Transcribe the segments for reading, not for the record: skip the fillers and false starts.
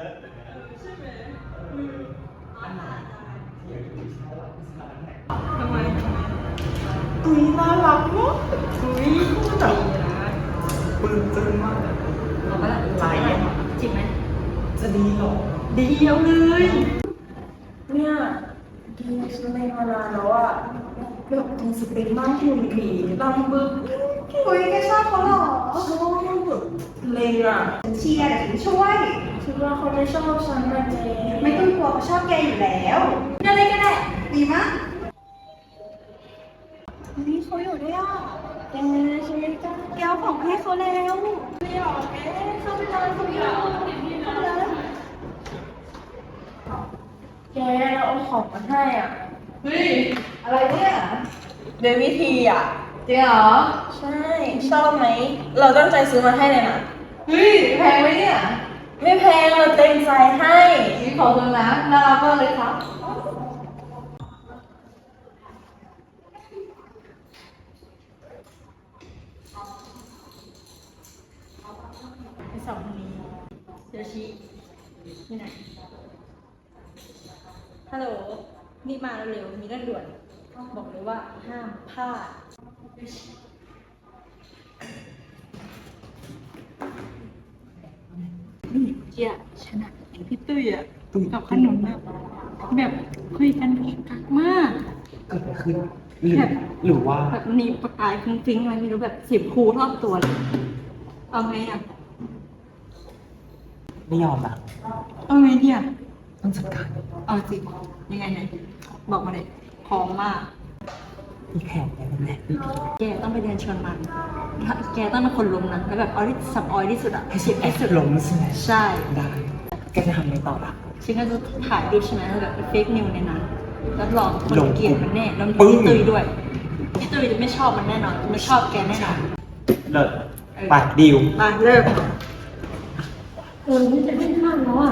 ใช่ไหมอันไหนที่อยากดูชายหลักผู้ชายเนี่ยทำไมอุ้ยน่ารักมากอุ้ยแบบปลื้มซึ้งมากเอาไปละไหลอ่ะจริงไหมจะดีหรอดีเอาเลยเนี่ยดีฉันไม่มานานแล้วอะแบบมีสเปคมากหุ่นดีดำบึกคุยแกชอบเขาเหรอชอบแบบเลยอะฉันเชียร์แต่ฉันช่วยคิดว่าเขาไม่ชอบฉันนะเจ๊ไม่ต้องกลัวเขาชอบแกอยู่แล้วอะไรก็ได้ ดีมากนี่เขาอยู่ด้วยอ่ะแกฉันไม่กล้าแกเอาของให้เขาแล้วไม่หรอกแกเข้าไปนอนคนเดียวแกเราเอาของมาให้อ่ะเฮ้ยอะไรเนี่ยเดวิธีอ่ะจริงเหรอ ใช่ ชอบไหม เราตั้งใจซื้อมาให้เลยนะเฮ้ยแพงไหมเนี่ยไม่แพงเราเต็มใจให้นี่ขอโทษนะน่ารักมากเลยครับไปสองคนนี้เดี๋ยวชี้ที่ไหนฮัลโหลนี่มาเร็วๆมีเรื่องด่วนบอกเลยว่าห้ามพลาด นี่เจียชนะเห็นพี่ตุ้ยอะกับขนมอะแบบคุยกันกักมากเกิดอะไรขึ้นหรือว่าแบบมีประกายฟุ้งๆอะไรไม่รู้แบบสิบคูรอบตัวเลยเอาไงอะไม่ยอมอ่ะเอาไงดีอะต้องจัดการเอาจริงยังไงไหนบอกมาเลยพร้อมมากมีแผนอะไรแน่ดีแกต้องไปเดินชวนมันแกต้องเป็นคนลงนะแล้วแบบเอาที่สับออยที่สุดอะให้เสียที่สุดลงใช่ไหมใช่ได้แกจะทำอะไรต่อล่ะฉันก็จะถ่ายรูปใช่ไหมแล้วแบบเฟกนิวในนั้นรับรองคนลงเกลียดมันแน่แล้วปึ้งพี่ตุ้ยด้วยพี่ตุ้ยจะไม่ชอบมันแน่นอนไม่ชอบแกแน่นอนเลิศไปดิวมาเริ่มเออนี่จะขึ้นข้างแล้วอ่ะ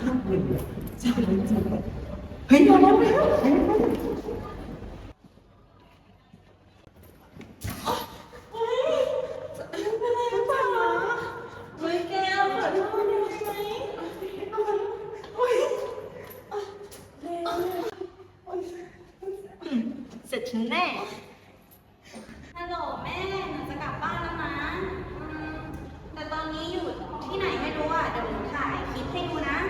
เฮ้ยมาแล้วเฮ้ยแกขอโทษได้ไหมเสร็จฉันแน่ฮัลโหลแม่หนูจะกลับบ้านแล้วนะแต่ตอนนี้อยู่ที่ไหนไม่รู้อ่ะ เดี๋ยวหนูถ่ายคลิปให้ดูนะ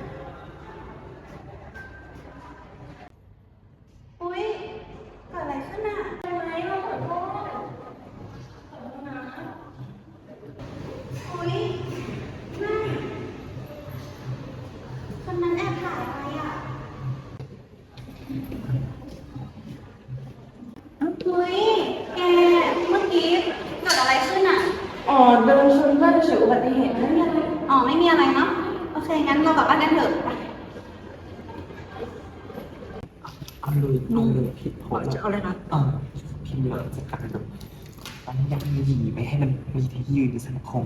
อุ๊ยเกิดอะไรขึ้นอ่ะทำไมเราขอโทษอุ๊ยแม่คนนั้นแอบถ่ายอะไรอ่ะอุ๊ยแกเมื่อกี้เกิดอะไรขึ้นอ่ะอ๋อเดินชนเพื่อนเฉยอุบัติเหตุไม่มีอะไรอ๋อ ไม่มีอะไรเนาะ โอเค งั้นเรากลับบ้านกันเถอะไปเอาเลยผิดโพสจะเอาอะไรนะพิมพ์เลยจัดการเลยตอนนี้ยังมีหยีไม่ให้มันมีที่ยืนในสังคม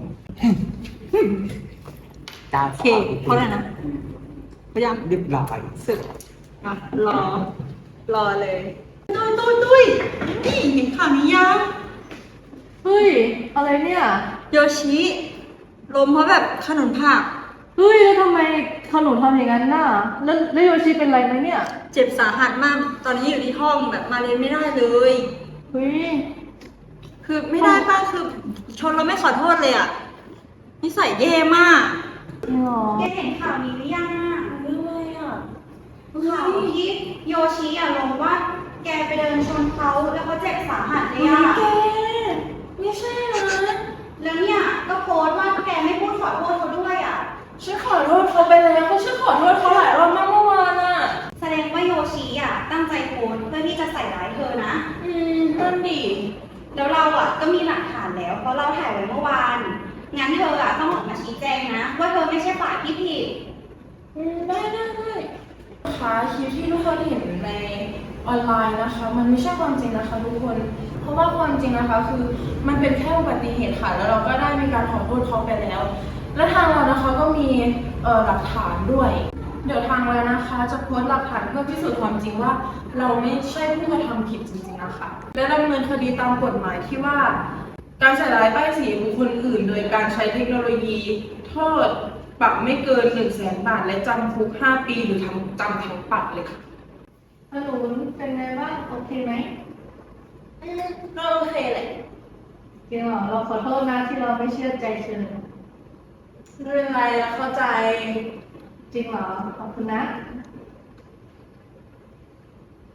ดาวโอเคเพราะอะไรนะพยายามเรียบร้อยสึกอ่ะรอเลยตุ้ยนี่เห็นข่าวนี้ยังเฮ้ย อะไรเนี่ยโยชิล้มเพราะแบบขนมผักเฮ้ยแล้วทำไมขนุนทำอย่างนั้นน่ะแล้วโยชิเป็นไรไหมเนี่ยเจ็บสาหัสมาก ตอนนี้อยู่ที่ห้องแบบมาเรียนไม่ได้เลยเฮ้ยคือไม่ได้ป้าคือชนเราไม่ขอโทษเลยอ่ะนิสัยแย่มากจริงเหรอแกเห็นข่าวนี้หรือยังอ่ะเรื่องอะไรอ่ะข่าวที่โยชิอ่ะลงว่า แกไปเดินชนเขาแล้วเขาเจ็บสาหัสเลยอ่ะแกไม่ใช่นะแล้วเนี่ยก็โพสต์ว่าแกไม่พูดขอโทษเขาด้วยอ่ะฉันขอโทษเขาไปแล้วก็ฉันขอโทษเขาหลายรอบมากเมื่อวานอ่ะแสดงว่าโยชิอ่ะตั้งใจโพสต์เพื่อที่จะใส่ร้ายเธอนะนั่นดิแล้วเราอ่ะก็มีหลักฐานแล้วเพราะเราถ่ายไว้เมื่อวาน งั้นเธออ่ะต้องออกมาชี้แจงนะ ว่าเธอไม่ใช่ฝ่ายที่ผิดได้นะคะคลิปที่ทุกคนเห็นในออนไลน์นะคะ มันไม่ใช่ความจริงนะคะทุกคน เพราะว่าความจริงนะคะคือมันเป็นแค่อุบัติเหตุค่ะ แล้วเราก็ได้มีการขอโทษเขาไปแล้ว และทางเรานะคะก็มีหลักฐานด้วย เดี๋ยวทางเรานะคะจะโพสต์หลักฐานเพื่อพิสูจน์ความจริงว่า เราไม่ใช่ผู้กระทำผิดจริงๆนะคะ และดำเนินคดีตามกฎหมายที่ว่า การใส่ร้ายป้ายสีบุคคลอื่น โดยการใช้เทคโนโลยีโทษปรับไม่เกิน100,000 บาท และจำคุก5 ปีหรือจำทั้งปรับเลยค่ะขนุนเป็นไงบ้างโอเคไหมก็โอเคแหละจริงเหรอเราขอโทษนะที่เราไม่เชื่อใจเธอไม่เป็นไรแล้วเข้าใจจริงเหรอขอบคุณนะ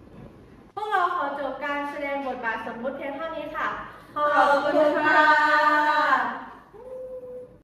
พวกเราขอจบการแสดงบทบาทสมมุติเพียงเท่านี้ค่ะขอบคุณค่ะ